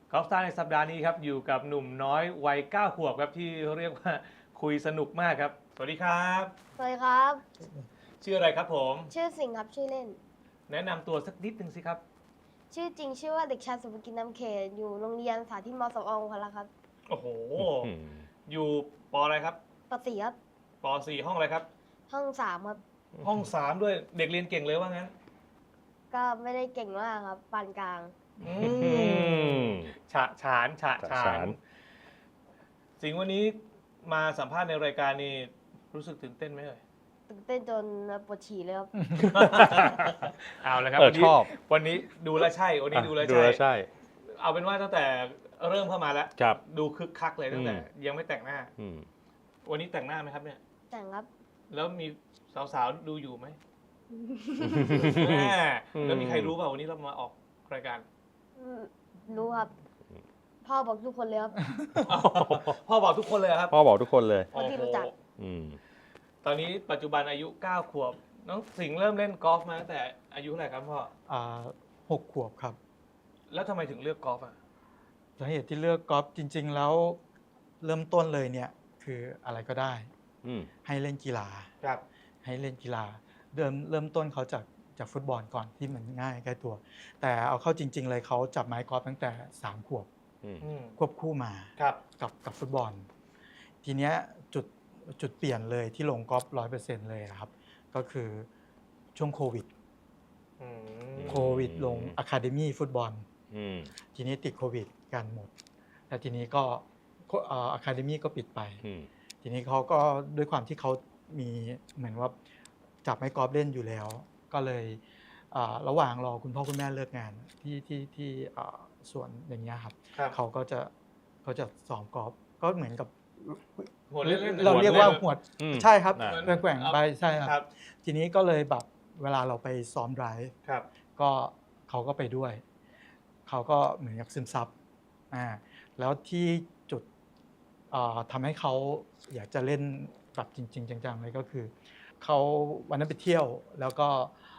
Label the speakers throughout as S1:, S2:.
S1: กอล์ฟสตาร์ในสัปดาห์นี้ครับอยู่กับหนุ่มน้อยวัย9 ขวบครับที่เรียกว่าคุยสนุกมากครับสวัสดีครับ
S2: สวัสดีครับ
S1: ชื่ออะไรครับผม
S2: ชื่อสิงห์ครับชื่อเล่น
S1: แนะนำตัวสักนิดนึงสิครับ
S2: ชื่อจริงชื่อว่าเด็กชายสุภกิจนำเขตอยู่โรงเรียนสาธิตมสองพละครับ
S1: โอ้โหอยู่ปอะไรครับ
S2: ปสี่ครับ
S1: ป4ห้องอะไรครับ
S2: ห้องสามครับ
S1: ห้อง3ด้วยเด็กเรียนเก่งเลยว่างั้น
S2: ก็ไม่ได้เก่งมากครับปานกลาง
S1: อืมฉะฉานสิงห์วันนี้มาสัมภาษณ์ในรายการนี้รู้สึกตื่นเต้นไหมเอ่ย
S2: ตื่นเต้นจนปวดฉี่เลยครับ
S1: เอาละครับ
S3: ชอบ
S1: วันนี้ดูแลวใช่วันนี้ดูแลว
S3: ดู
S1: ใช่
S3: แล้วใช่
S1: เอาเป็นว่าตั้งแต่เริ่มเข้ามาแล้ว
S3: ครับ
S1: ดูคึกคักเลยตั้งแต่ ยังไม่แต่งหน้า
S3: อืม
S1: วันนี้แต่งหน้าไหมครับเนี่ย
S2: แต่งครับ
S1: แล้วมีสาวๆดูอยู่ไหม แม่แล้วมีใครรู้เปล่าวันนี้เรามาออกรายการ
S2: รู้ครับ พ่อบอกทุกคนเลยครับ
S1: พ่อบอกทุกคนเลยครับ
S3: พ่อบอกทุกคนเลย
S2: คนที่รู้จัก
S3: อืม
S1: ตอนนี้ปัจจุบันอายุ 9 ขวบ น้องสิงห์เริ่มเล่นกอล์ฟมาตั้งแต่อายุเท่าไหร่ครับพ่อ
S4: 6 ขวบครับ
S1: แล้วทำไมถึงเลือกกอล์ฟอ่ะ
S4: สาเหตุที่เลือกกอล์ฟจริง ๆ แล้วเริ่มต้นเลยเนี่ยคืออะไรก็ได้
S3: อืม
S4: ให้เล่นกีฬา
S1: ครับ
S4: ให้เล่นกีฬาเริ่มต้นเขาจากฟุตบอลก่อนที่มันง่ายใกล้ตัว แต่เอาเข้าจริง ๆ เลยเขาจับไม้กอล์ฟตั้งแต่3 ขวบ
S3: อืม
S4: ควบคู่มา
S1: ครับ
S4: กับฟุตบอล ทีเนี้ยจุดเปลี่ยนเลยที่ลงกอล์ฟ100%เลยครับ ก็คือช่วงโควิด
S1: อืม
S4: โควิดลงอะคาเดมี่ฟุตบอล
S3: อืม
S4: ทีนี้ติดโควิดกันหมดแต่ทีนี้ก็อะคาเดมี่ก็ปิดไป
S3: อืม
S4: ทีนี้เขาก็ด้วยความที่เขามีเหมือนว่าจับไม้กอล์ฟเล่นอยู่แล้ว ก็เลยระหว่างรอคุณพ่อคุณแม่เลิกงานที่สวนอย่างเงี้ยครับ
S1: ครับ
S4: เขาก็จะซ้อมกอล์ฟก็เหมือนกับ
S1: หัวเล่นๆ
S4: เราเรียกว่าหัว
S3: อืม
S4: ใช่ครับ
S3: อ่า
S4: แกว่งๆไปใช่ค
S1: ครั
S4: รับ บ ทีนี้ก็เลยแบบเวลาเราไปซ้อมไดรฟ์
S1: ครับ
S4: ก็เขาก็ไปด้วย เขาก็เหมือนกับซึมซับแล้วที่จุดทำให้เขาอยากจะเล่นแบบจริง ๆ จังๆเลยก็คือเขาวันนั้นไปเที่ยวแล้วก็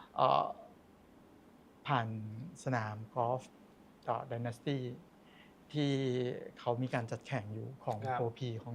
S4: ผ่านสนามกอล์ฟDynasty ที่เขามีการจัดแข่งอยู่ของ
S1: ครับ
S4: โปรพีของ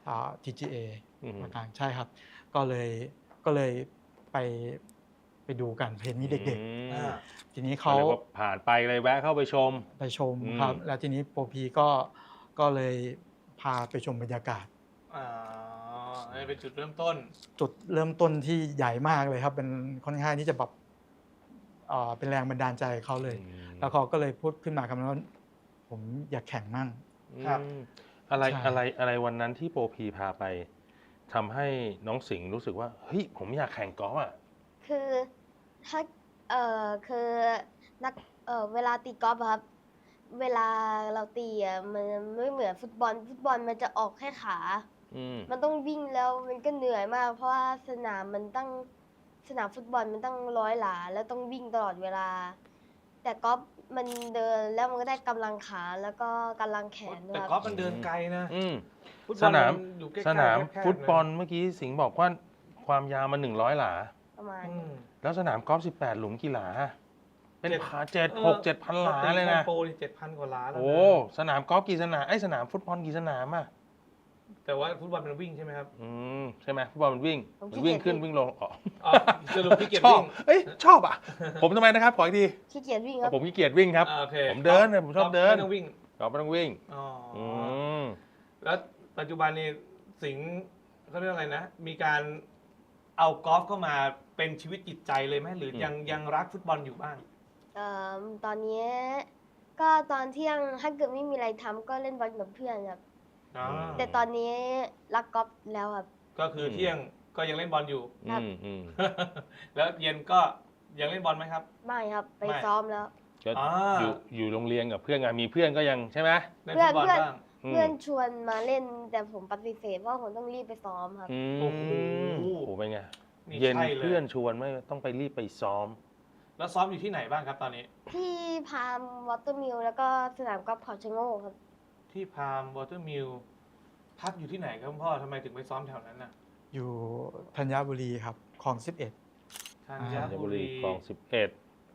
S4: TGA
S3: อืม
S4: ประการใช่ครับ ก็เลยไปดูกันเห็นมีเด็ก
S1: อ่า
S4: ๆ ทีนี้
S3: เขา
S4: เขา
S3: เรียกว่าผ่านไปเลยแวะเข้าไปชม
S4: ไปชม
S3: อืม
S4: ครับ แล้วทีนี้โปรพีก็เลยพาไปชมบรรยากาศ
S1: อ่าอันนี้เป็นจุดเริ่มต้น
S4: จุดเริ่มต้นที่ใหญ่มากเลยครับ เป็นค่อนข้างที่จะแบบเป็นแรงบันดาลใจเขาเลย แล้วเขาก็เลยพูดขึ้นมาคำนั้นว่าผมอยากแข่งมั่ง
S1: ครับ
S3: อืมอะไร
S4: ใช่
S3: อะไรวันนั้นที่โปรพีพาไปทำให้น้องสิงห์รู้สึกว่าเฮ้ยผมอยากแข่งกอล์ฟอ่ะ
S2: คือถ้าคือนักเวลาตีกอล์ฟอะครับ เวลาเราตีมันไม่เหมือนฟุตบอลมันจะออกแค่ขา
S3: อืม
S2: มันต้องวิ่งแล้วมันก็เหนื่อยมาก เพราะว่าสนามฟุตบอลมันตั้ง100 หลาแล้วต้องวิ่งตลอดเวลา แต่กอล์ฟมันเดินแล้วมันก็ได้กำลังขาแล้วก็กำลังแขนด้ว
S1: แต่
S2: ย
S1: กอ
S2: ค
S1: ล์
S2: รับ
S1: ฟมันเดินไกลนะ
S3: อืม
S1: ฟุตบ
S3: ส
S1: อล
S3: นาม
S1: มันอยู่ใกล้ๆ
S3: สนาม
S1: แคบๆ
S3: ฟุตบอล
S1: นะ
S3: เมื่อกี้สิงห์บอกว่าความยาวมัน100 หลา
S2: ประมาณ
S1: อืม
S3: แล้วสนามกอล์ฟ18 หลุมกี่หลา เป็น
S1: เจ็ด
S3: พัน7,000 หลาเลยนะ
S1: โปรนี่7,000 กว่าล้านแล้วนะ
S3: โอ้สนามกอล์ฟกี่สนามไอ้ยสนามฟุตบอลกี่สนามอ่ะ
S1: แต่ว่าฟุตบอลมันวิ่งใช่ไหมครับ
S3: ใช่ไหมฟุตบอลมันวิ่งขึ้นวิ่งลงอ๋อ
S1: อ๋อสรุปพี่เกียร
S3: ช
S1: ติ
S3: อบ
S1: วิ่ง
S3: เอ้ยชอบอ่ะ ผมทำไมนะครับ ขออีกที
S2: ขี้เกียจวิ่งครับ
S3: ผมขี้เกียจวิ่งครับ
S1: อ่าโอเค
S3: ผมเดินเนี่ยผมชอบเดิน
S1: ไม่ต้องวิ่ง
S3: กอล์ฟไม่ต้องวิ่ง
S1: อ๋ออ
S3: อืม
S1: แล้วปัจจุบันนี้สิงห์เขาเรียกอะไรนะ มีการเอากอล์ฟเข้ามาเป็นชีวิตจิตใจเลยไหมหรือยังรักฟุตบอลอยู่บ้าง
S2: ตอนนี้ก็ตอนเที่ยงถ้าเกิดไม่มีอะไรทำก็เล่นบอลกับเพื่อนครับ
S1: อ๋อ
S2: แต่ตอนนี้รักกอล์ฟแล้วครับ
S1: ก็คือเที่ยงก็ยังเล่นบอลอยู่
S2: ครับ
S1: แล้วเย็นก็ยังเล่นบอลไหมครับ
S2: ไม่ครับไป
S1: ไม่
S2: ซ้อมแล้ว
S3: ก็
S1: อ่า
S3: อยู่โรงเรียนกับเพื่อนไงมีเพื่อนก็ยังใช่ไหม
S1: เล่นฟุตบอลบ้าง
S2: เพื่อนชวนมาเล่นแต่ผมปฏิเสธเพราะผมต้องรีบไปซ้อมครับ
S1: โอ้โห
S3: โอ้โหเป็นไง
S1: นี่
S3: เย็น
S1: ใช่เลย
S3: เพื่อนชวนไม่ต้องไปรีบไปซ้อม
S1: แล้วซ้อมอยู่ที่ไหนบ้างครับตอนนี้
S2: ที่พามวอเตอร์มิลแล้วก็สนามกอล์ฟเขาชะโงกครับ
S1: ที่พามวอเตอร์มิลพักอยู่ที่ไหนครับคุณพ่อทำไมถึงไปซ้อมแถวนั้นน่ะ
S4: อยู่ธัญบุรีครับคลอง 11
S1: ธั
S3: ธัญ
S1: ญ
S3: บุ
S1: บุ
S3: รี
S1: รี
S3: คลอง11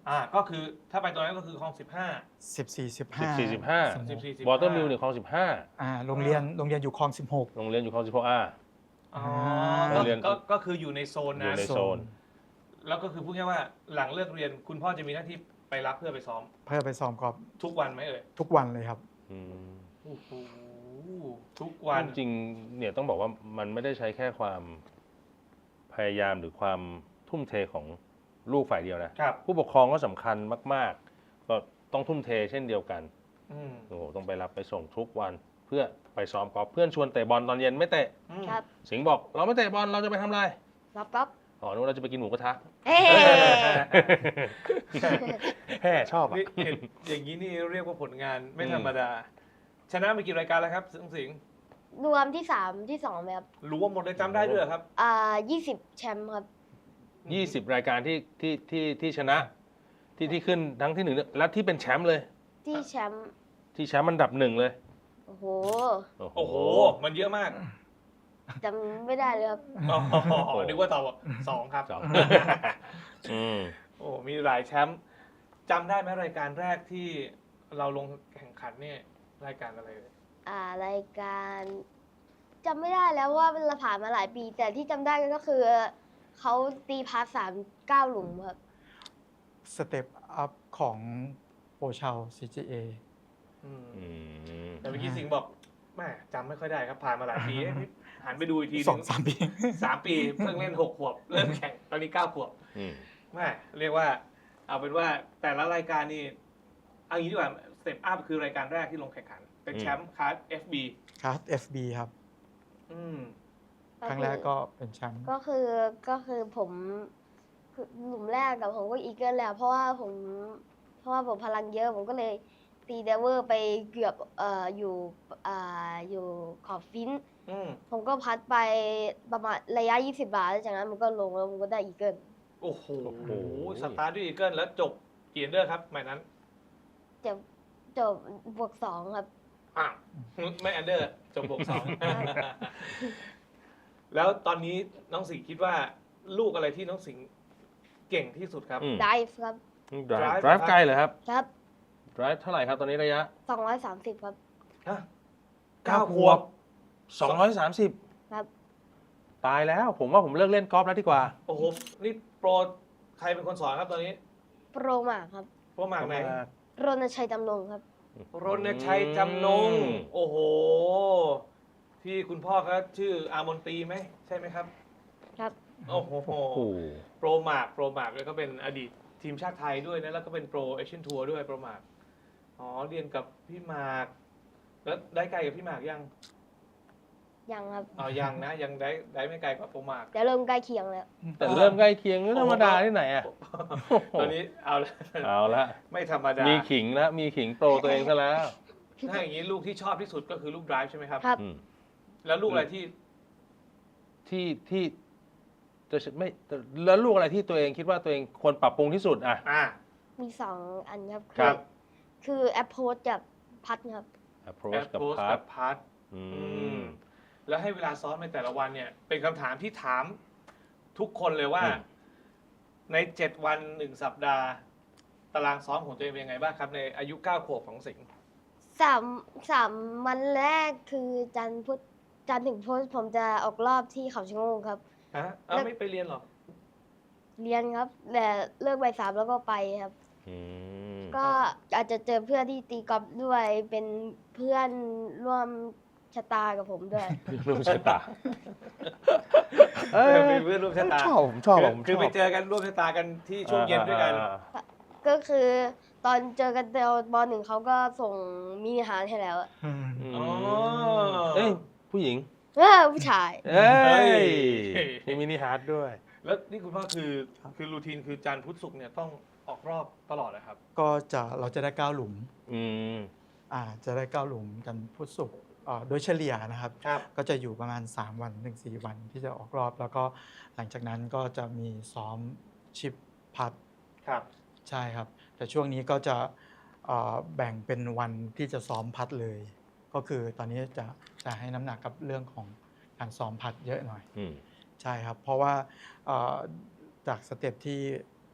S1: ก็คือถ้าไปตรงนั้นก็คือคลอง 15
S4: 14
S3: 14
S4: 15
S3: 15
S1: 14
S3: วอเตอร์มิลเนี่ยคลอง
S4: โรงเรียนอยู่คลอง
S3: 15โรงเรียนอยู่คลอง 16
S1: อ๋อ
S3: โรงเรียน
S1: ก็คืออยู่ในโซน
S3: อยู่
S1: นั้น
S3: ในโซน
S1: แล้วก็คือพูดง่ายๆว่าหลังเลิกเรียนคุณพ่อจะมีหน้าที่ไปรับเพื่อไปซ้อม
S4: เพื่อไปซ้อมกอล์ฟ
S1: ทุกวันไหมเอ่ย
S4: ทุกวันเลยครับ
S3: อืม
S1: โอ้โหทุกวัน
S3: จริงๆเนี่ยต้องบอกว่ามันไม่ได้ใช้แค่ความพยายามหรือความทุ่มเทของลูกฝ่ายเดียวนะ
S1: ครับ
S3: ผู้ปกครองก็สำคัญมาก ๆ ก็ต้องทุ่มเทเช่นเดียวกัน
S1: อืม
S3: โอ้โหต้องไปรับไปส่งทุกวันเพื่อไปซ้อมกอล์ฟเพื่อนชวนเตะบอลตอนเย็นไม่เตะ
S1: อืม
S2: ครับ
S3: สิงห์บอกเราไม่เตะบอลเราจะไปทำอะไร
S2: รับก๊อฟ
S3: อ๋อนู้นเราจะไปกินหมูกระทะ
S2: เฮ้
S3: แฮ่ชอบอ่ะ
S1: นี่เห็นอย่างนี้นี่เรียกว่าผลงานไม่ธรรมดา ชนะไปกี่รายการแล้วครับสิงห์
S2: รวมที่ 3 ที่2ไหมครับ
S1: รู้ว่าหมดเลยจำได้ด้วยเหรอครับ
S2: 20 แชมป์ครับ
S3: 20 รายการที่ชนะที่ขึ้นทั้งที่หนึ่งและที่เป็นแชมป์เลย
S2: ที่แชมป์
S3: ที่แชมป์อันดับหนึ่งเลย
S2: โอ้โห
S1: โอ้โห มันเยอะมาก
S2: จำไม่ได้เลยครับ
S1: อ๋อนึกว่าตอบว่า2ครับ
S3: สอง อืม
S1: โอ้มีหลายแชมป์จำได้ไหมรายการแรกที่เราลงแข่งขันเนี่ยรายการอะไรเลย
S2: รายการจำไม่ได้แล้วว่าเราผ่านมาหลายปี แต่ที่จำได้ก็คือเขาตีพาส3 9 หลุมครับ
S4: สเต็ปอัพของโปรชาว CGA
S1: อืม
S3: อืม
S1: แต่เมื่อกี้สิงห์บอกแม่จำไม่ค่อยได้ครับผ่านมาหลายปีเอ๊ะหันไปดูอีกทีห
S4: ส
S1: นึ
S4: อง
S1: ง
S4: สามปี
S1: 3 ปีเพิ่งเล่น6 ขวบ เริ่มแข่งตอนนี้ 9 ขวบ
S3: อืม
S1: แม่เรียกว่าเอาเป็นว่าแต่ละรายการนี่เอางี้ดีกว่าสเต็ปอัพคือรายการแรกที่ลงแข่งขัน เป็นแชมป์คลาส FB
S4: ครับ FB ครับ
S1: อืม
S4: ครั้งแรกก็เป็นแชมป์
S2: ก็คือผมคือหลุมแรกกับผมก็อีเกิลแล้วเพราะว่าผมพลังเยอะผมก็เลยตีเดเวอร์ไปเกือบอยู่ขอบฟิน
S1: อืม
S2: ผมก็พัดไปประมาณระยะ 20 บาทแล้วจากนั้นมันก็ลงแล้วผมก็ได้อีเกิล
S1: โอ้โหสตาร์ทด้วยอีเกิลแล้วจบกี่อันเดอร์ครับหมายนั้น
S2: จบบวก 2 ครับ
S1: อ้าวไม่อันเดอร์จบบวก 2 แล้วตอนนี้น้องสิงห์คิดว่าลูกอะไรที่น้องสิงห์เก่งที่สุดครับ
S3: อืม
S2: ไดฟ์ครับ
S3: drive
S1: drive
S3: ไกลเหรอครับ
S2: ครับ
S3: drive เท่าไหร่ครับตอนนี้ระยะ
S2: 230 ครับ
S1: ฮะ
S3: 9 ขวบ 230
S2: ครับ
S3: ตายแล้ว ผมว่าผมเลิกเล่นกอล์ฟแล้วดีกว่า
S1: โอ้โห นี่โปรใครเป็นคนสอนครับตอนนี้
S2: โปรมาครับ
S1: โปรหมากไหน
S2: รณชัยจำนงครับ
S1: รณชัยจำนง โอ้โห ที่คุณพ่อเขาชื่ออามนตรีไหมใช่ไหมครับ
S2: ครับ
S1: โอ้โห
S3: โอ้โห
S1: โปรหมากแล้วก็เป็นอดีตทีมชาติไทยด้วยนะ แล้วก็เป็นโปรเอเชียนทัวร์ด้วยโปรหมาก อ๋อ เรียนกับพี่หมาก แล้วได้ไกลกับพี่หมากยัง
S2: ยังครับ
S1: อ๋อยังนะ ยังได้ไม่ไกลกว่าโปรหมาก
S2: แต่เริ่มใกล้เคียงแล้ว
S3: แต่เริ่มใกล้เคียงนี่ธรรมดาที่ไหนอ่ะ
S1: ตอนนี้เอาละ
S3: เอาละ
S1: ไม่ธรรมดา
S3: มีขิงแล้วมีขิงโปรตัวเองซะแล้ว
S1: ถ้าอย่างนี้ลูกที่ชอบที่สุดก็คือลูก drive ใช่ไหมครับ
S2: ครับ
S3: อืม
S1: แล้วลูกอะไรที่
S3: ที่จะไม่แล้วลูกอะไรที่ตัวเองคิดว่าตัวเองควรปรับปรุงที่สุดอ่ะ
S2: มี 2 อันครับ
S3: ครับ
S2: คือแอปโพสกับพัดครับ
S3: approach กับ
S1: approach
S3: พั
S1: กั
S3: ด
S1: บพัด
S3: อื
S1: อื
S3: ม
S1: มแล้วให้เวลาซ้อมในแต่ละวันเนี่ย เป็นคำถามที่ถามทุกคนเลยว่า
S3: อืม
S1: ใน 7 วัน 1 สัปดาห์ ตารางซ้อมของตัวเองเป็นยังไงบ้างครับ ในอายุ 9 ขวบของสิงห์
S2: 3 วันแรกคือจันทร์ถึงพุธผมจะออกรอบที่เขาชะโงกครับ
S1: ฮะเอาไม่ไปเรียนเหรอ
S2: เรียนครับ แต่เลิกบ่าย 3แล้วก็ไปครับ
S3: อืม
S2: ก็อาจจะเจอเพื่อนที่ตีกอล์ฟด้วยเป็นเพื่อนร่วมชะตากับผมด้วย
S3: ร่วมชะตา
S1: เป็นเพื่อนร่วมชะตา
S3: ผมชอบผม
S1: คือไปเจอกันร่วมชะตากันที่ช่วงเย็นด้วยกัน
S2: ก็คือตอนเจอกันเดียวป .1 เขาก็ส่งมินิฮาร์ทให้แล้วอะ
S1: อ๋อ
S3: เอ้ยผู้หญิง
S2: ผู้ชาย
S3: เอ้ย
S1: เฮ้ย
S3: มีมินิฮาร์ดด้วย
S1: แล้วนี่คุณพ่อคือรูทีนคือจันทร์พุธศุกร์เนี่ยต้องออกรอบตลอดนะครับ
S4: ก็เราจะได้ 9 หลุม
S3: อืม
S4: จะได้ 9 หลุมกันพุธศุกร์โดยเฉลี่ยนะครับ
S1: ครับ
S4: ก็จะอยู่ประมาณ 3 วันถึง4 วันที่จะออกรอบ แล้วก็หลังจากนั้นก็จะมีซ้อมชิปพัด
S1: ครับ
S4: ใช่ครับ แต่ช่วงนี้ก็จะแบ่งเป็นวันที่จะซ้อมพัดเลย ก็คือตอนนี้จะให้น้ำหนักกับเรื่องของการซ้อมพัดเยอะหน่อย
S3: อืม
S4: ใช่ครับ เพราะว่าจากสเต็ปที่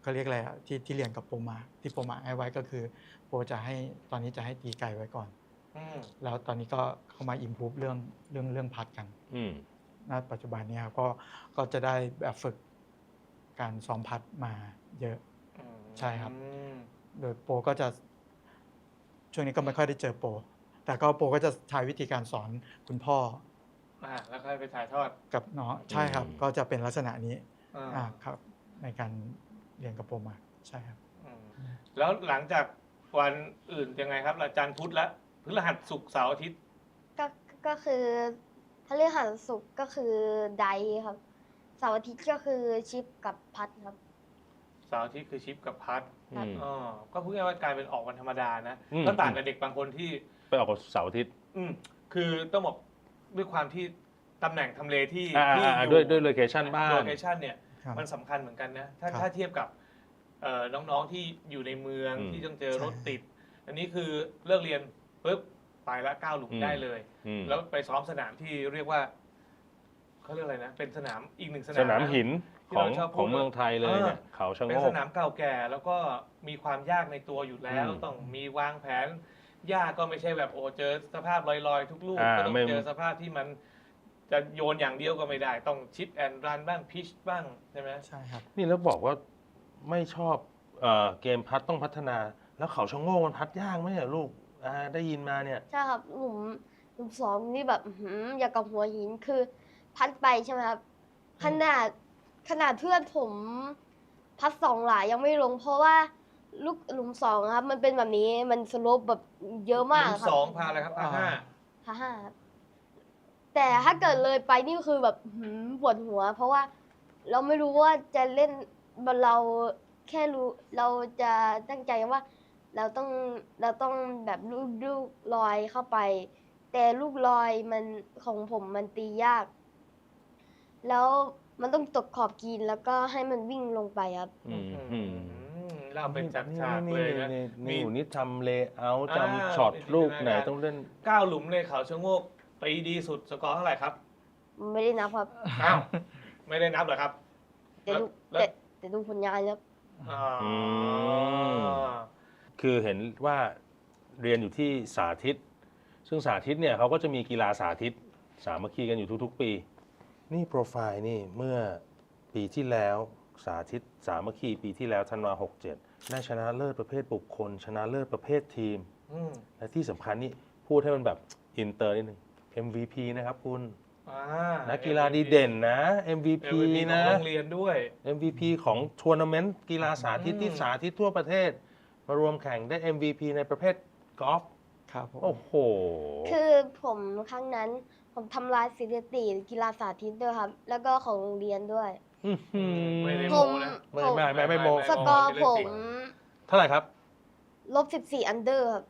S4: เขาเรียกอะไรอะที่เรียนกับโปรมาที่โปรมาให้ไว้ก็คือโปรจะให้ตอนนี้จะให้ตีไก่ไว้ก่อน
S1: อืม
S4: แล้วตอนนี้ก็เข้ามาอิมพูฟเรื่องพัดกัน
S3: อืม
S4: ณปัจจุบันเนี้ครับก็จะได้แบบฝึกการซ้อมพัดมาเยอะ ใช่ครับ โดยโปรก็จะช่วงนี้ก็ไม่ค่อยได้เจอโปรแต่ก็โปรก็จะใช้วิธีการสอนคุณพ่อ
S1: แล้วค่อยไปถ่ายทอด
S4: กับน้องใช่ครับ ก็จะเป็นลักษณะนี้
S1: อ่า
S4: ครับในการเรียนกับโปรมาใช่ครับ
S1: อืมแล้วหลังจากวันอื่นยังไงครับอาจารย์พุธและพฤหัสศุกร์เสาร์อาทิตย์
S2: ก็คือพฤหัสศุกร์ก็คือไดครับเสาร์อาทิตย์ก็คือชิปกับพัดครับ
S1: เสาร์อาทิตย์คือชิปกับพัด
S3: อืม
S1: ก็พูดง่ายๆว่ากลายเป็นออกวันธรรมดานะ
S3: อืม
S1: ก็ต่างกับเด็กบางคนที่
S3: ไปออกกับเสาร์อาทิตย์
S1: คือต้องบอกด้วยความที่ตำแหน่งทำเลที่
S3: อ่าด้วยโลเคชั่นบ้าน
S1: โลเคชั่นเนี่ย
S4: ครับ
S1: มันสำคัญเหมือนกันนะ
S4: ครับ
S1: ถ้าเทียบกับน้องๆที่อยู่ในเมือง
S3: อืม
S1: ที่ต้องเจอรถ
S4: ใช่
S1: ติด อันนี้คือเลิกเรียนปุ๊บไปละ9 หลุม
S3: อืม
S1: ได้เลย
S3: อืม
S1: แล้วไปซ้อมสนามที่เรียกว่าเขาเรียกอะไรนะ เป็นสนามอีกหนึ่งสนาม
S3: สนามหิน
S1: ที่
S3: ของ
S1: เราชอบพูด
S3: ของเมืองไทยเลยเนี่ยเขาชะ
S1: เป็
S3: โง
S1: นส
S3: ก
S1: นามเก่าแก่แล้วก็มีความยากในตัวอยู่แล้ว
S3: อืม
S1: ต้องมีวางแผนยากก็ไม่ใช่แบบโอ้เจอสภาพลอยๆ ทุกลูก ก็ต้อง
S3: ไม่
S1: เจอสภาพที่มันจะโยนอย่างเดียวก็ไม่ได้ ต้องชิปแอนด์รันบ้างพิชบ้างใช่ไหม
S4: ใช่ครับ
S3: นี่แล้วบอกว่าไม่ชอบเกมพัดต้องพัฒนา แล้วเขาชะโงกมันพัดยากไหมเนี่ยลูกได้ยินมาเนี่ย
S2: ใช่ครับหลุมสองนี่แบบอื้อหืออยากกับหัวหินคือพัดไปใช่ไหมครับขนาดเพื่อนผมพัด2 หลายยังไม่ลง เพราะว่าลูกหลุมสองครับ มันเป็นแบบนี้มันสโลปแบบเยอะมาก
S1: หลุ
S2: ครับ
S1: สองพาอะไรครับพาห้า
S2: พาห้าครับแต่ถ้าเกิดเลยไปนี่คือแบบอื้อหือปวดหัว เพราะว่าเราไม่รู้ว่าจะเล่นเราแค่รู้เราจะตั้งใจว่าเราต้องแบบลูกลอยเข้าไป แต่ลูกลอยมันของผมมันตียาก แล้วมันต้องตกขอบกรีนแล้วก็ให้มันวิ่งลงไปครับ
S1: เราเป็นฉากๆเลยนะ
S3: นี่หนูนี่ทำเลเยอร์
S1: อ่า
S3: จำช็อตลูกไหน
S1: จินตนาการ
S3: ต้องเล่น
S1: 9 หลุมในเขาชะโงกตีดีสุดสกอร์เท่าไหร่ครับ
S2: ไม่ได้นับครับ
S1: อ้าวไม่ได้นับเหรอครับ
S2: แต่ดู
S1: แล้ว
S2: แต่ดูผลงานครับ
S1: อ๋ออ
S3: ม คือเห็นว่าเรียนอยู่ที่สาธิต ซึ่งสาธิตเนี่ยเขาก็จะมีกีฬาสาธิต สามัคคีกันอยู่ทุกๆ ปี นี่โปรไฟล์นี่เมื่อปีที่แล้วสาธิตสามัคคีปีที่แล้วธันวา67ได้ชนะเลิศประเภทบุคคล ชนะเลิศประเภททีม
S1: อืม
S3: และที่สำคัญนี่พูดให้มันแบบอินเตอร์นิดนึง MVP นะครับคุณ
S1: อ่า
S3: นักกีฬาดีเด่นนะ MVP
S1: MVP
S3: นะ
S1: ของโรงเรียนด้วย
S3: MVP ของทัวร์นาเมนต์กีฬาสาธิตที่สาธิตทั่วประเทศ มารวมแข่งได้ MVP ในประเภทกอล์ฟ
S4: ครับผม
S3: โอ้โห
S2: คือผมครั้งนั้นผมทำลายสถิติกีฬาสาธิตด้วยครับ แล้วก็ของโรงเรียนด้วย
S3: อื้อหือ
S1: ไม่ได้
S2: ผ
S1: โม้
S2: ม
S1: นะ
S3: ไม่โม
S2: สกอร์ผม
S3: เท่าไหร่ครับ
S2: ลบ14 อันเดอร์ครับ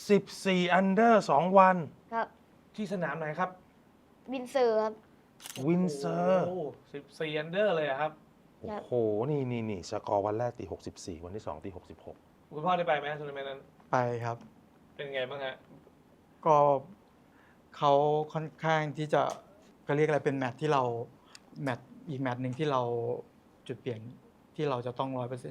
S3: 14 อันเดอร์ 2 วัน
S2: ครับ
S1: ที่สนามไหนครับ
S2: วินเซอร์ครับ
S3: วินเซอร์
S1: โอ้14 อันเดอร์เลยอะครับ
S3: โอ้โห นี่สกอร์วันแรกตี 64 วันที่ 2 ตี 66
S1: คุณพ่อได้ไปไหมทัวร์นาเมนต์นั้น
S4: ไปครับ
S1: เป็นไงบ้างฮะ
S4: ก็เขาค่อนข้างที่จะเขาเรียกอะไรเป็นแมตช์ที่เราอีกแมตช์หนึ่งที่เราจุดเปลี่ยนที่เราจะต้อง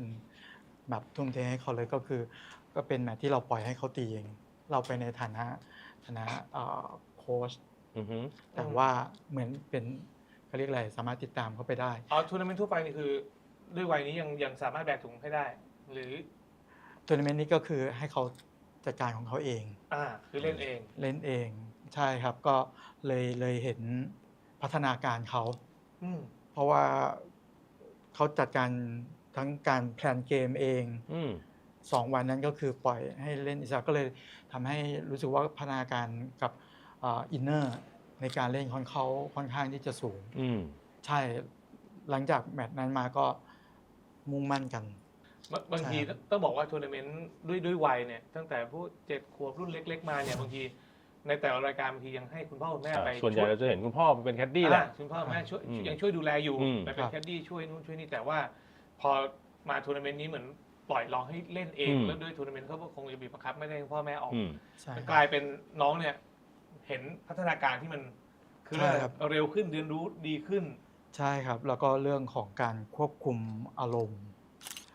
S4: 100%แบบทุ่มเทให้เขาเลยก็คือ ก็เป็นแมตช์ที่เราปล่อยให้เขาตีเอง เราไปในฐานะโค้ช
S3: อือหือ
S4: แต่ว่าเหมือนเป็นเขาเรียกอะไรสามารถติดตามเขาไปได้
S1: ทัวร์นาเมนต์ทั่วไปนี่คือ ด้วยวัยนี้ยังสามารถแบกถุงให้ได้ หรือ
S4: ทัวร์นาเมนต์นี้ก็คือให้เขาจัดการของเขาเอง
S1: คือเล่นเอง
S4: เล่นเองใช่ครับก็เลยเห็นพัฒนาการเขา
S1: อืม
S4: เพราะว่าเขาจัดการทั้งการแพลนเกมเอง
S3: อืม
S4: 2 วันนั้นก็คือปล่อยให้เล่นอิสระก็เลยทำให้รู้สึกว่าพัฒนาการกับอินเนอร์ในการเล่นของเขาค่อนข้างที่จะสูง
S3: อืม
S4: ใช่หลังจากแมตช์นั้นมาก็มุ่งมั่นกัน
S1: บางที
S4: ใช่ครับ
S1: ต้องบอกว่าทัวร์นาเมนต์ด้วยวัยเนี่ยตั้งแต่ผู้7 ขวบรุ่นเล็ก ๆ มาเนี่ยบางทีในแต่ละรายการบางทียังให้คุณพ่อคุณแม่ไป
S3: ส่วนใหญ่
S1: ช่ย
S3: เราจะเห็นคุณพ่อเป็นแคดดี้แหละ
S1: คุณพ่อแม่ช่วย
S3: อืม
S1: ยังช่วยดูแลอยู่
S3: อืม
S1: ไปเป็นแคดดี้ช่วยนู่นช่วยนี่แต่ว่าพอมาทัวร์นาเมนต์นี้เหมือนปล่อยลองให้เล่นเองแล้วด้วยทัวร์นาเมนต์เขาก็คงจะบีบบังคับไม่ได้ให้พ่อแม่ออก
S3: อืม
S4: ใช่
S1: มัน
S4: ค
S1: ก
S4: รับ
S1: ลายเป็นน้องเนี่ยเห็นพัฒนาการที่มันคือ
S4: ใช่ครับ
S1: เร็วขึ้นเรียนรู้ดีขึ้น
S4: ใช่ครับ แล้วก็เรื่องของการควบคุมอารมณ์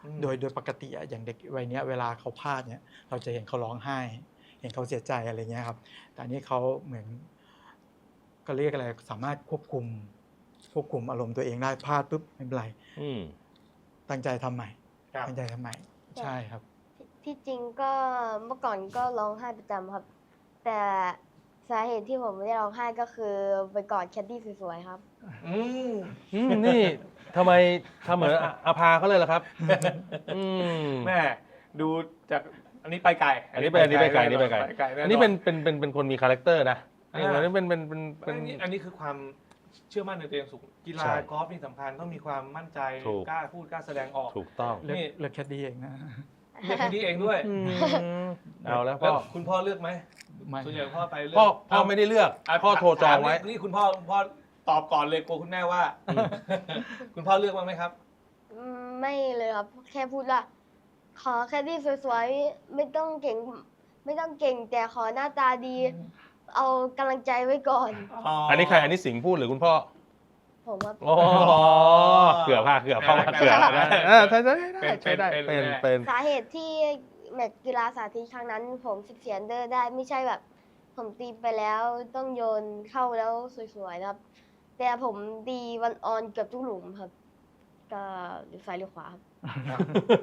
S4: โดยปกติอะอย่างเด็กวัยเนี้ยเวลาเขาพลาดเนี่ยเราจะเห็นเขาร้องไห้ เห็นเขาเสียใจอะไรเงี้ยครับแต่อันนี้เขาเหมือนก็เรียกอะไรสามารถควบคุมอารมณ์ตัวเองได้พลาดปุ๊บไม่เป็นไร
S3: อืม
S4: ตั้งใจทำใหม่
S1: ครับ
S4: ตั้งใจทำใหม่ใช่ครับ
S2: ที่จริงก็เมื่อก่อนก็ร้องไห้ประจำครับ แต่สาเหตุที่ผมไม่ได้ร้องไห้ก็คือไปกอดแคดดี้สวยๆครับ
S1: อืม
S3: นี่ทำไมทำเหมือนอาภาเขาเลยล่ะครับ อืม
S1: แม่ดูจากอันนี้ไปไกล
S3: อันนี้ไปไกล
S1: แน่
S3: อันนี้เป็นคนมีคาแรคเตอร์นะ
S1: อ่า
S3: อันนี้เป็น
S1: อันนี้คือความเชื่อมั่นในตัวเองสูงกีฬา
S3: ใช่
S1: กอล์ฟนี่สำคัญต้องมีความมั่นใจ
S3: ถูก
S1: กล้าพูดกล้าแสดงออก
S3: ถูกต้อง
S4: เลือก
S1: นี่
S4: เลือกแคดดี้เองนะ
S1: เลือกคนนี้เองด้วย
S3: เอาแล้ว
S1: แล้
S3: พ่
S1: ว
S3: อ
S1: คุณพ่อเลือกไหม
S4: ไม่
S1: ส่วนใหญ่พ่อไปเลื
S3: พ่อไม่ได้เลือก
S1: ะ
S3: พ่อโทรจองไว้
S1: ถามนี่คุณพ่อตอบก่อนเลยกลัวคุณแม่ว่า คุณพ่อเลือกบ้างไหมครับ
S2: ไม่เลยครับ แค่พูดว่าขอแคดดี้สวยๆไม่ต้องเก่ง ไม่ต้องเก่ง แต่ขอหน้าตาดี เอากำลังใจไว้ก่อน
S3: อันนี้ใครอันนี้สิงห์พูดหรือคุณพ่อ
S2: ผมว่า
S3: อ๋อเกือบเข้ามาเกือบนะใช่ได้เป็น
S2: สาเหตุที่แมตช์กีฬาสาธิตครั้งนั้น ผม14 อันเดอร์ได้ไม่ใช่แบบ ผมตีไปแล้วต้องโยนเข้าแล้วสวยๆนะครับ แต่ผมตีวันออนเกือบทุกหลุมครับ ก็หรือซ้ายหรือขวาครับ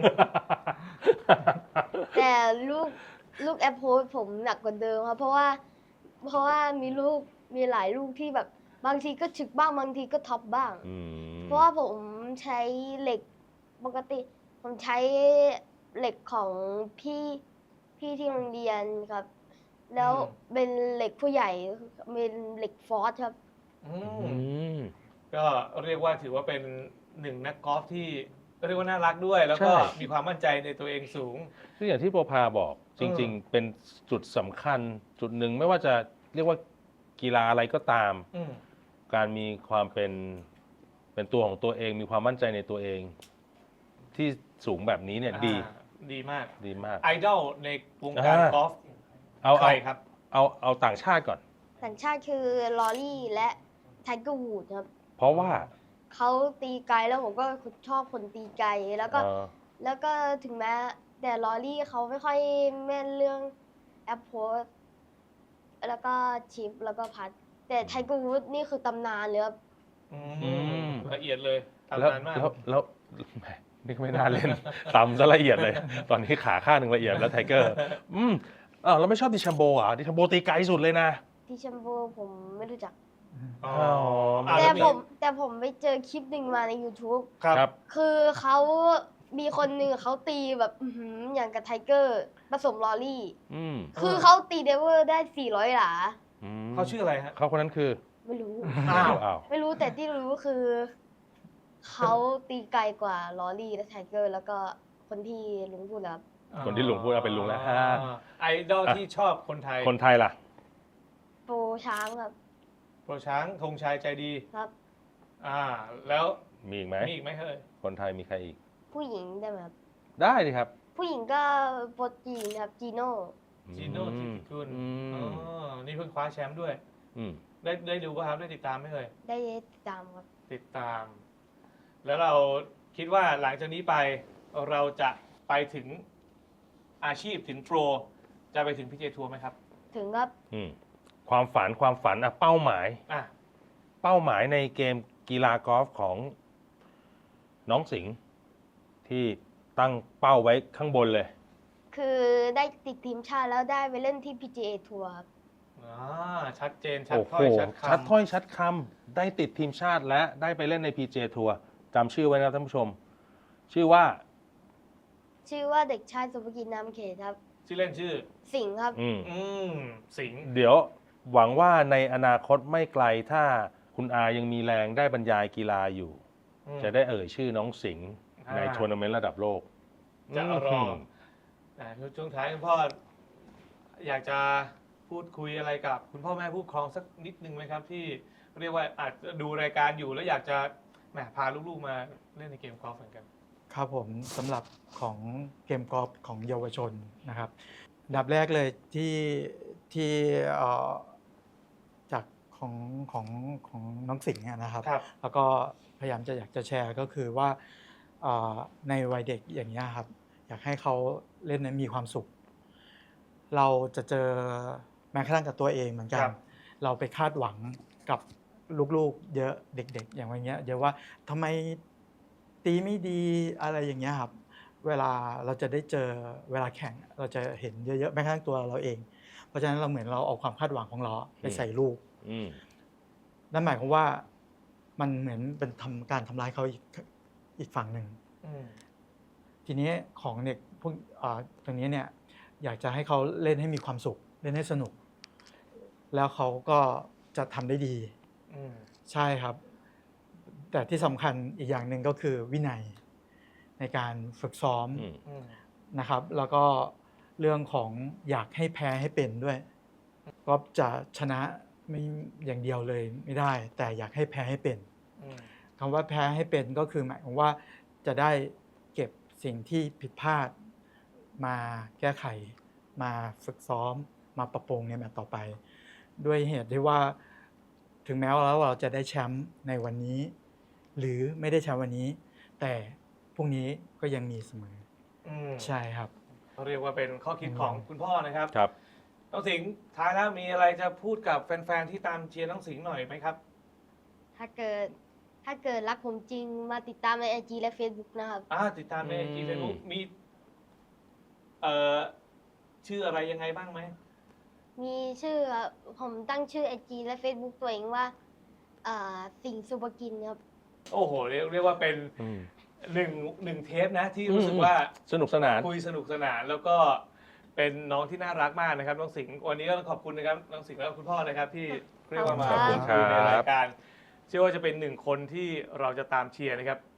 S2: แต่ลูกแอปโพสผมหนักกว่าเดิมครับ เพราะว่ามีหลายลูกที่แบบบางทีก็ฉึกบ้างบางทีก็ท็อปบ้าง เพราะว่าผมใช้เหล็กปกติ ผมใช้เหล็กของพี่ที่โรงเรียนครับ แล้วเป็นเหล็กผู้ใหญ่เป็นเหล็กฟอสครับ
S1: ก็เรียกว่าถือว่าเป็นหนึ่งนักกอล์ฟที่เรียกว่าน่ารักด้วย แล้วก็
S3: ใช่
S1: มีความมั่นใจในตัวเองสูง
S3: คืออย่างที่โปรภาบอกจริง ๆ เป็นจุดสำคัญจุดหนึ่งไม่ว่าจะเรียกว่ากีฬาอะไรก็ตาม
S1: อืม
S3: การมีความเป็นตัวของตัวเอง มีความมั่นใจในตัวเอง ที่สูงแบบนี้เนี่ยดี
S1: ดีมาก
S3: ดีมาก
S1: ไอดอลในวงการกอล์ฟ
S3: เอา
S1: ใครครับ
S3: เอาต่างชาติก่อน
S2: ต่างชาติคือลอรี่และไทเกอร์วูดครับ
S3: เพราะว่า
S2: เขาตีไกลแล้วผมก็ชอบคนตีไกลแล้วก็
S3: เอ่อ
S2: แล้วก็ถึงแม้แต่ลอรี่เขาไม่ค่อยแม่นเรื่องแอปโพสแล้วก็ชิปแล้วก็พัด แต่ไทเกอร์วูดนี่คือตำนานเลยครับ
S1: ละเอียดเลย
S3: แล้ว
S1: ทำนานมาก
S3: แล้วแหมนี่ก็ไม่น่าเล่น ต่ำซะละเอียดเลย ตอนนี้ขาข้างหนึ่งละเอียดแล้วไทเกอร์เราไม่ชอบดิชัมโบอ่ะดิชัมโบตีไกลสุดเลยนะ
S2: ที่แชมโบผมไม่รู้จัก
S1: อ๋อ
S2: แต่
S1: แล้ว
S2: ผมไปเจอคลิปหนึ่งมาใน YouTube
S1: ครับ
S2: คือเขามีคนหนึ่งเขาตีแบบอย่างกับไทเกอร์ผสมลอรี่
S3: อืม
S2: คือเขาตีเดเวอร์ได้ 400 หลา
S1: เขาชื่ออะไรฮะ
S3: เขาคนนั้นคือ
S2: ไม่รู้
S1: อ้าว
S3: อ้าว
S2: ไม่รู้แต่ที่รู้คือ เขาตีไกลกว่าลอรี่และไทเกอร์ แล้วก็คนที่ลุงพูดแล้วครับ
S3: คนที่ลุงพูดเอาเป็นลุงแล้ว
S1: ไอดอลที่ชอบคนไทย
S3: คนไทยล่ะ
S2: โปรช้างครับ
S1: โปรช้างธงชัยใจดี
S2: ครับ
S1: แล้ว
S3: มีอีกไหม
S1: มีอีกไหมเฮ้ย
S3: คนไทยมีใครอีก
S2: ผู้หญิงได้ไหมครับ
S3: ได้ดิครับ
S2: ผู้หญิงก็โปรจีนครับจีโน่
S1: จีโน่ทิติกุล
S3: อืม
S1: นี่เพิ่งคว้าแชมป์ด้วย
S3: อืม
S1: ได้ดูป่ะครับ ได้ติดตามไหมเอ่ย
S2: ได้ติดตามครับ
S1: ติดตาม แล้วเราคิดว่าหลังจากนี้ไปเราจะไปถึงอาชีพถึงโปร จะไปถึงพีเจทัวร์ไหมครับ
S2: ถึงครับ
S3: อืมความฝันอะเป้าหมาย
S1: อ่ะ
S3: เป้าหมายในเกมกีฬากอล์ฟของน้องสิงห์ที่ตั้งเป้าไว้ข้างบนเลย
S2: คือได้ติดทีมชาติแล้วได้ไปเล่นที่ PGA ทัวร์ครับ
S1: ชัดเจนชัด
S3: โอ้
S1: ถ้
S3: โห
S1: อยชัด
S3: ชัด
S1: คำ
S3: ถ้อยชัดคำได้ติดทีมชาติและได้ไปเล่นใน PJ ทัวร์จำชื่อไว้นะท่านผู้ชม ชื่อว่า
S2: ชื่อว่าเด็กชายสุภกิจนามเขตครับ
S1: ชื่อเล่นชื่อ
S2: สิงห์ครับ
S1: สิงห์
S3: เดี๋ยวหวังว่าในอนาคตไม่ไกลถ้าคุณอายังมีแรงได้บรรยายกีฬาอยู่ จะได้เอ่ยชื่อน้องสิงห์ในทัวร์นาเมนต์ระดับโลก
S1: จะรอช่วงท้ายคุณพ่อ อยากจะพูดคุยอะไรกับคุณพ่อแม่ผู้ปกครองสักนิดนึงไหมครับ ที่เรียกว่าอาจจะดูรายการอยู่แล้วอยากจะแหมพาลูกๆมาเล่นในเกมกอล์ฟเหมือนกัน
S4: ครับผมสำหรับของเกมกอล์ฟของเยาวชนนะครับอันดับแรกเลยที่จากของน้องสิงห์นะครับ
S1: ครับ
S4: แล้วก็พยายามจะอยากจะแชร์ก็คือว่าในวัยเด็กอย่างนี้ยครับอยากให้เขาเล่นนั้นมีความสุข เราจะเจอแม้กระทั่งกับตัวเองเหมือนกั
S1: ครั
S4: น
S1: บ
S4: เราไปคาดหวังกับลูกๆเยอะเด็กๆ อย่างวันเงี้ยเยอะว่าทำไมตีไม่ดีอะไรอย่างเงี้ยครับเวลาเราจะได้เจอเวลาแข่งเราจะเห็นเยอะๆแม้กระทั่งตัวเราเอง เพราะฉะนั้นเราเหมือนเราเอาความคาดหวังของเราไปใส่ลูก
S3: อืม
S4: นั่นหมายความว่ามันเหมือนเป็นการทำร้ายเขาอีกฝั่งหนึ่ง
S1: อืม
S4: ทีนี้ของเด็กพวกตรงนี้เนี่ยอยากจะให้เขาเล่นให้มีความสุขเล่นให้สนุก แล้วเขาก็จะทำได้ดี
S1: อืม
S4: ใช่ครับ แต่ที่สำคัญอีกอย่างหนึ่งก็คือวินัยในการฝึกซ้อม
S3: อืม
S1: อืม
S4: นะครับ แล้วก็เรื่องของอยากให้แพ้ให้เป็นด้วยก็จะชนะไม่อย่างเดียวเลยไม่ได้ แต่อยากให้แพ้ให้เป็น
S1: อืม
S4: คำว่าแพ้ให้เป็นก็คือหมายความว่าจะได้เก็บสิ่งที่ผิดพลาดมาแก้ไข มาฝึกซ้อมมาปรับปรุงในแมตช์ต่อไป ด้วยเหตุที่ว่าถึงแม้ว่าเราจะได้แชมป์ในวันนี้ หรือไม่ได้แชมป์วันนี้ แต่พรุ่งนี้ก็ยังมีเสมอ
S1: อืม
S4: ใช่ครับ
S1: เขาเรียกว่าเป็นข้อคิดของคุณพ่อนะครับ
S3: ครับ
S1: น้องสิงห์ท้ายแล้วมีอะไรจะพูดกับแฟนๆที่ตามเชียร์น้องสิงห์หน่อยไหมครับ
S2: ถ้าเกิดรักผมจริงมาติดตามใน IG และ Facebook นะครับ
S1: ติดตามใน IG
S3: อืม
S1: Facebook มีชื่ออะไรยังไงบ้างไหม
S2: มีชื่อผมตั้งชื่อ IG และ Facebook ตัวเองว่าสิงห์สุภกินครับ
S1: โอ้โห เรียกว่าเป็น
S3: อืม
S1: หนึ่งเทปนะที่รู้สึกว่า
S3: สนุกสนาน
S1: คุยสนุกสนานแล้วก็เป็นน้องที่น่ารักมากนะครับน้องสิงห์วันนี้ก็ต้องขอบคุณนะครับน้องสิงห์และคุณพ่อนะครับ ที่เรียกว่ามา
S2: ขอบคุ
S1: พู
S2: ณ
S1: ด
S2: ครับ
S1: คุยในรายการเชื่อว่าจะเป็นหนึ่งคนที่เราจะตามเชียร์นะครับ